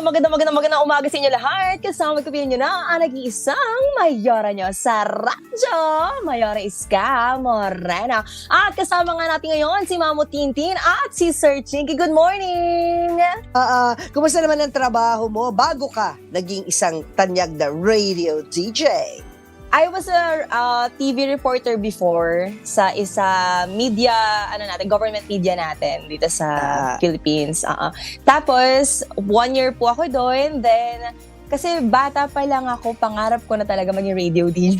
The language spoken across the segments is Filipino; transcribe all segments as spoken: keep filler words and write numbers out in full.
magandang magandang magandang umaga sa inyo lahat. Kasama magkapilan nyo na ang nag-iisang Mayora nyo sa radyo. Mayora Iska Morena. At kasama nga natin ngayon si Mamo Tintin at si Sir Chinky. Good morning! Ah, uh, kumusta naman ang trabaho mo bago ka naging isang tanyag na radio D J? I was a uh, T V reporter before sa isa media, ano natin, government media natin dito sa ah. Philippines. Uh-uh. Tapos, one year po ako doon. Then, kasi bata pa lang ako, pangarap ko na talaga maging radio D J.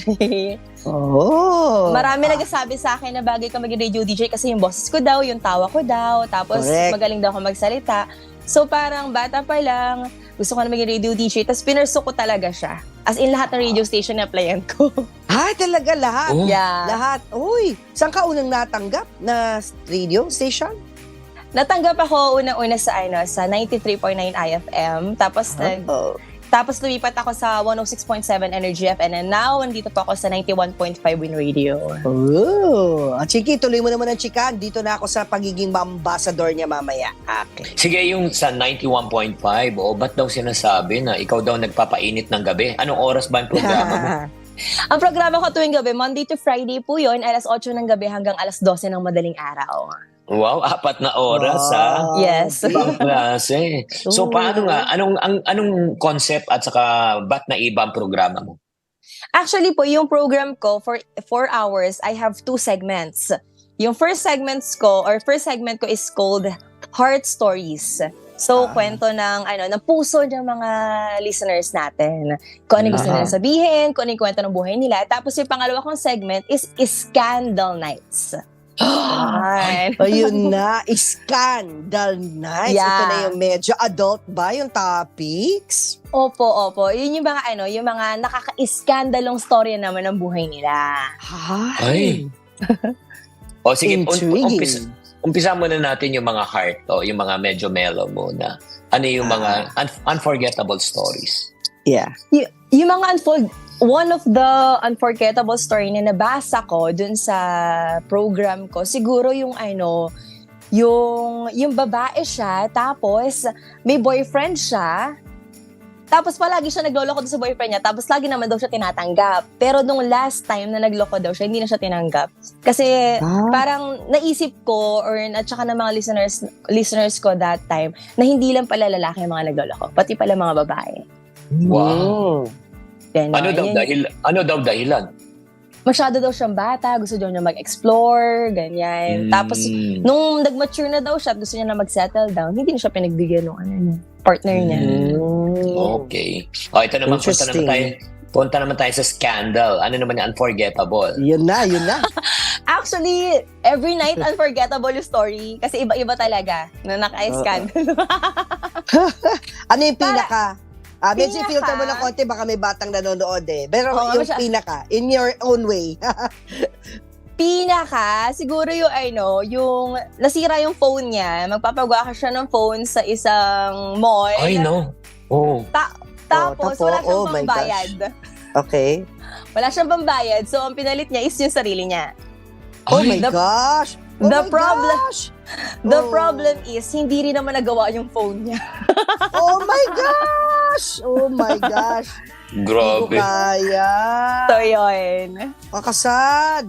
Oh! Marami ah. nagsasabi sa akin na bagay ka maging radio D J kasi yung boses ko daw, yung tawa ko daw, tapos Correct. Magaling daw ako magsalita. So, parang bata pa lang, gusto ko na maging radio D J, tapos pinurso ko talaga siya. As in, lahat ng radio station na applyan ko. Ah, talaga lahat? Oh. Yeah. Lahat? Uy, saan ka unang natanggap na radio station? Natanggap ako unang-una sa ano sa ninety-three point nine I F M. Tapos, oh. nag, tapos lumipat ako sa one oh six point seven Energy F M. And now, nandito po ako sa ninety-one point five Win Radio. Oh, ah, Chiki, tuloy mo naman ang chikan. Dito na ako sa pagiging ambassador niya mamaya. Okay. Sige, yung sa ninety-one point five, oh, ba't daw sinasabi na ikaw daw nagpapainit ng gabi? Anong oras ba ang programa mo? Ang programa ko tuwing gabi, Monday to Friday po yun, alas eight ng gabi hanggang alas twelve ng madaling araw. Wow, apat na oras, wow. ha? Yes. Ibang klase. So, paano nga? Anong, ang, anong concept at saka ba't na iba ang programa mo? Actually po, yung program ko, for four hours, I have two segments. Yung first segments ko, or first segment ko is called Heart Stories. So, ah. kwento ng, ano, ng puso ng mga listeners natin. Kung ano gusto nila sabihin, kung ano yung kwento ng buhay nila. Tapos yung pangalawa kong segment is Scandal Nights. Ay. Ayun na, Scandal Nights. Yeah. Ito na yung medyo adult ba yung topics? Opo, opo. Yun yung mga ano, yung mga nakaka-iskandalong story naman ng buhay nila. Ay. O sige, um, umpisa, umpisa muna natin yung mga heart, o yung mga medyo mellow muna. Ano yung mga un- unforgettable stories? Yeah. Y- yung mga unfold One of the unforgettable story na nabasa ko dun sa program ko, siguro yung ano, yung, yung babae siya, tapos may boyfriend siya, tapos palagi siya nagloloko doon sa boyfriend niya, tapos lagi naman daw siya tinatanggap. Pero nung last time na nagloko daw siya, hindi na siya tinanggap. Kasi ah. parang naisip ko, or at saka ng mga listeners, listeners ko that time, na hindi lang pala lalaki yung mga nagloloko, pati pala mga babae. Wow! Ganun. Ano daw Yan. dahil ano daw dahilan? Masyado daw siyang bata, gusto daw niya mag-explore, ganyan. Mm. Tapos nung nag-mature na daw siya at gusto niya na mag-settle down, hindi na siya pinagbigyan ng ano niya, partner niya. Mm. Okay. O ito naman, punta naman tayo. Punta naman tayo sa scandal. Ano naman yung unforgettable? Yun na, yun na. Actually, every night unforgettable yung story kasi iba-iba talaga na naka-scandal. Ano yung pinaka? Ah, medyo Pinaka. filter mo ng konti, baka may batang nanonood eh. Pero Oo, yung masya- pinaka, in your own way. Pinaka, siguro yung ano, yung nasira yung phone niya, magpapagawa ka siya ng phone sa isang mall. Ay, no. Oh. Ta- tapos, Oh, tapo. wala siyang Oh my pambayad. Okay. Wala siyang pambayad, so ang pinalit niya is yung sarili niya. Oh Ay, my the- gosh! Oh the my problem- gosh! The Oh. problem is, hindi rin naman nagawa yung phone niya. Oh my gosh! Oh my gosh! Hindi ko Grabe. kaya. So, yun. Kakasad.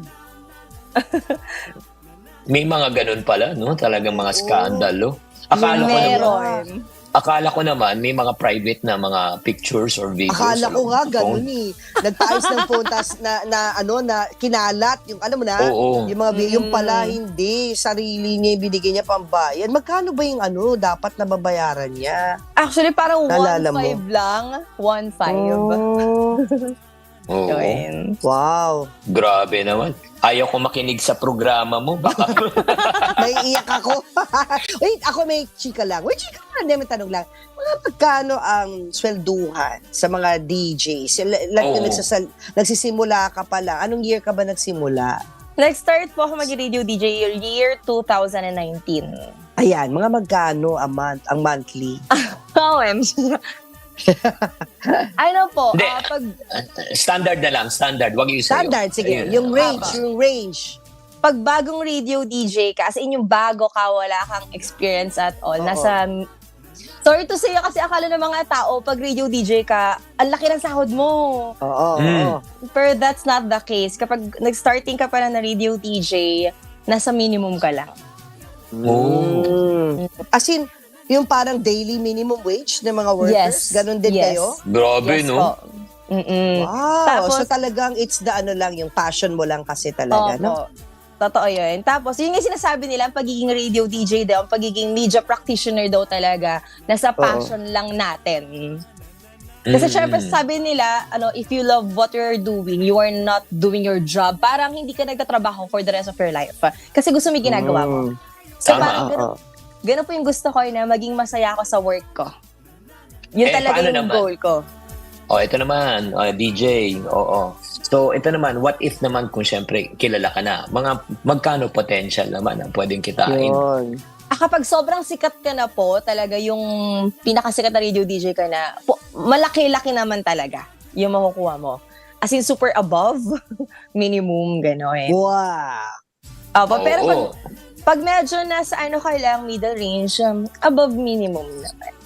May mga ganun pala, no? Talagang mga skandalo. Akala ko naman, Meron. akala ko naman may mga private na mga pictures or videos. Akala ko sa nga phone. ganun eh. Nagtaayos ng phone, tas na, na, ano, na kinalat. Yung, alam mo na, Oo. yung mga, Mm. yung pala hindi, sarili niya, binigay niya pambayad. Magkano ba yung ano, dapat na babayaran niya? Actually, parang Naalala one five lang. one five. Oh, Oo. Yun. wow. Grabe naman. Ayaw ko makinig sa programa mo. Baka Naiiyak ako. Wait, ako may chika lang. Wait, chika lang. Hindi, may tanong lang. Mga pagkano ang swelduhan sa mga D Js? Like, Oo. nagsasal- nagsisimula ka pa lang. Anong year ka ba nagsimula? Nag-start po ako mag-radio D J year two thousand nineteen. Ayan, mga magkano ang, month, ang monthly? O M G. Ano po, Hindi. ah, pag, standard na lang, standard. Wag yung sa'yo. Standard, sige. Ayun. Yung range, Tama. yung range. pag bagong radio D J ka, as in yung bago ka, wala kang experience at all, Oo. nasa Sorry to say kasi akala ng mga tao, pag radio D J ka, ang laki ng sahod mo. Oo, Mm. oo. Pero that's not the case. Kapag nag-starting ka pa na na radio D J, nasa minimum ka lang. Oh. Mm. As in, yung parang daily minimum wage ng mga workers, Yes. ganun din Yes. kayo? Grabe, Yes no? po. Mm-mm. Wow. Tapos- so talagang it's the ano lang, yung passion mo lang kasi talaga, Opo. no? Totoo yun. Tapos, yun yung sinasabi nila, ang pagiging radio D J daw, ang pagiging media practitioner daw talaga, nasa passion lang natin. Kasi Mm. syempre, sabi nila, ano, if you love what you're doing, you are not doing your job, parang hindi ka nagtatrabaho for the rest of your life. Kasi gusto mo yung ginagawa mo. Mm. So, Tama. parang ganun, ganun po yung gusto ko na maging masaya ako sa work ko. Yun Eh, talaga paano yung naman? goal ko. Oh, ito naman, uh, D J, oo. So, ito naman, what if naman kung syempre kilala ka na? Mga magkano potential naman ang pwedeng kitain? Yun. Ah, kapag sobrang sikat ka na po, talaga yung pinakasikat na radio D J ka na, po, malaki-laki naman talaga yung makukuha mo. As in, super above minimum, gano'n. Wow. Opo, pero pag, Oo. pag medyo nasa ano ka lang, middle range, um, above minimum naman.